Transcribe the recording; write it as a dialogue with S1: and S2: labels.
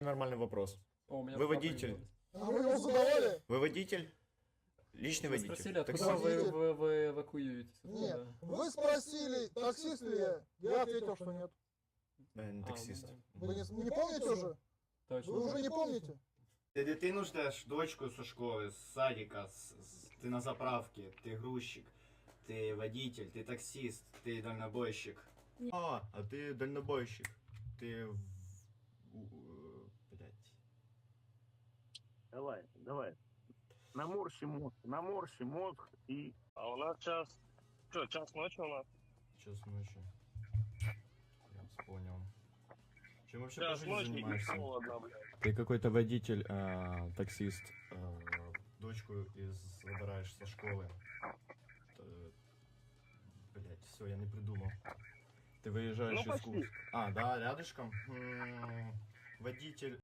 S1: Нормальный вопрос.
S2: О, у меня
S1: Вы
S2: папа
S1: водитель?
S2: идет.
S3: А вы его задавали?
S1: Вы водитель? Личный
S2: Вы
S1: водитель?
S2: спросили, откуда
S1: Таксист?
S2: вы эвакуируетесь?
S3: Нет.
S2: Откуда?
S3: Вы спросили, таксист ли я? Я ответил, что нет.
S1: Не
S2: А,
S1: таксист.
S2: ну да.
S3: Вы не помните уже?
S2: Точно.
S3: Вы уже не помните?
S4: Ти дитину ждеш, дочку зі школи, з садика, ти на заправці, ти грузчик, ти водитель, ти таксист, ти дальнобойщик.
S1: А ты дальнобойщик. Ты... Блять.
S5: Давай. Наморщи мозг и...
S6: А у нас час... Что, час ночи у нас?
S1: Час ночи. Я вас понял. Чем вообще
S6: Час
S1: по жизни
S6: ночи и
S1: занимаешься?
S6: холодно, блядь.
S1: Ты какой-то водитель, таксист, дочку забираешь со школы. Блять, все, я не придумал. Ты выезжаешь
S6: Ну,
S1: из
S6: почти.
S1: Курска. А, да, рядышком. Водитель